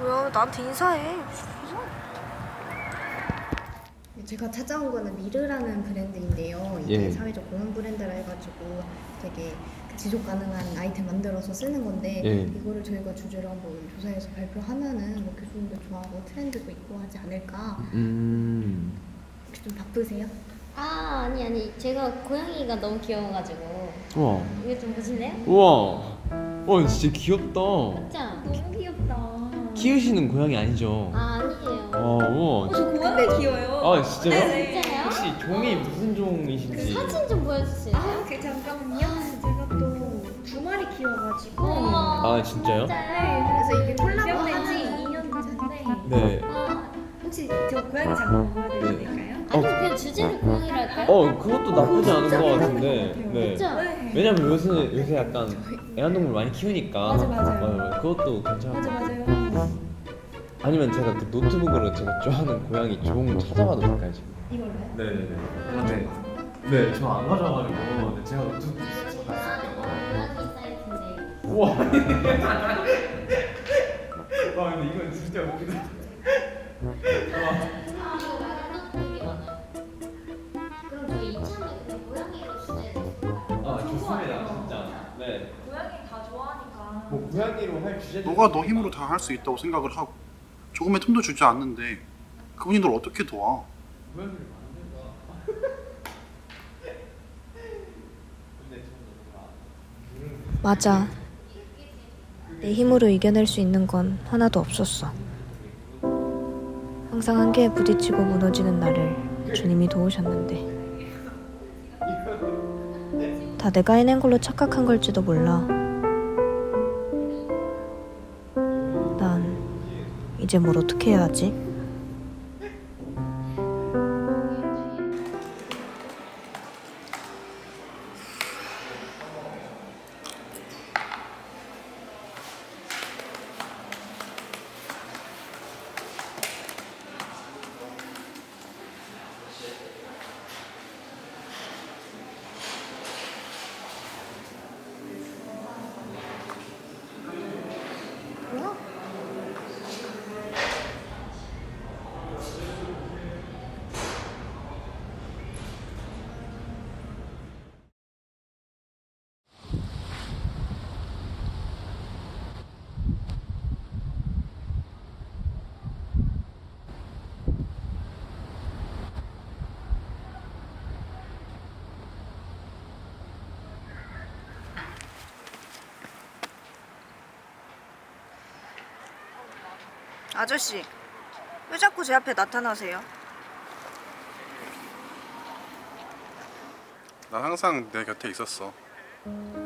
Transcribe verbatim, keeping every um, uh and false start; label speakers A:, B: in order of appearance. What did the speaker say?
A: 뭐야, 나한테 인사해.
B: 제가 찾아온 거는 미르라는 브랜드인데요. 이게
C: 예.
B: 사회적 공헌 브랜드라 해가지고 되게 지속 가능한 아이템 만들어서 쓰는 건데
C: 예.
B: 이거를 저희가 주제로 한번 조사해서 발표하면은 뭐 교수님도 좋아하고 트렌드도 있고 하지 않을까.
C: 음.
B: 혹시 좀 바쁘세요?
D: 아 아니 아니 제가 고양이가 너무 귀여워가지고
C: 우와.
D: 이거 좀 보실래요?
C: 우와. 어 진짜 귀엽다.
D: 맞죠?
B: 너무 귀엽다.
C: 키우시는 고양이 아니죠?
D: 아 아니에요.
C: 아 우와.
B: 저 고양이 귀여워요.
C: 아 진짜요?
D: 진짜요?
C: 혹시 종이 무슨 종이신지?
D: 그 사진 좀 보여주실래요?
B: 아, 그 잠깐만요. 제가 또 두 마리 키워가지고.
D: 어머,
C: 아 진짜요?
D: 진짜요?
B: 그래서 이게 콜라보
D: 귀엽네.
B: 한지 이 년 됐는데
C: 네.
D: 아,
B: 혹시 저 고양이 잠깐 보여드려도
C: 네.
B: 될까요?
D: 아니 그냥 주제를 고양이로 할까요?
C: 어 그것도 나쁘지 않은 것 같은데. 네.
D: 그쵸?
C: 왜냐면 요새 요새 약간 애완동물 많이 키우니까.
B: 맞아, 맞아요.
C: 맞아요. 그것도 괜찮아.
B: 맞아 맞아요.
C: 아니면 제가 그 노트북으로 제가 좋아하는 고양이 종 찾아봐도 될까요 지금?
B: 이걸로요?
C: 네네네. 아, 네. 네, 저 안 가져와가지고 네, 제가 노트북
D: 고양이 사이트인데.
C: 우와. 와 근데 이건 진짜 웃기다. 와.
D: 아 이거 말고 또 되게 많아요. 그럼 저희 이참에 그냥 고양이로 주제를 해볼까요?
C: 아 좋습니다 진짜. 네.
A: 고양이 다 좋아하니까.
C: 뭐 고양이로 할 주제.
E: 너가 너 힘으로 다 할 수 있다고 생각을 하고 조금의 틈도 주지 않는데 그분이 널 어떻게 도와?
C: 고양이를 만든다. 근데 저는
A: 맞아. 내 힘으로 이겨낼 수 있는 건 하나도 없었어. 항상 한계에 부딪히고 무너지는 나를 주님이 도우셨는데 다 내가 해낸 걸로 착각한 걸지도 몰라. 난 이제 뭘 어떻게 해야 하지? 아저씨, 왜 자꾸 제 앞에 나타나세요?
E: 난 항상 내 곁에 있었어.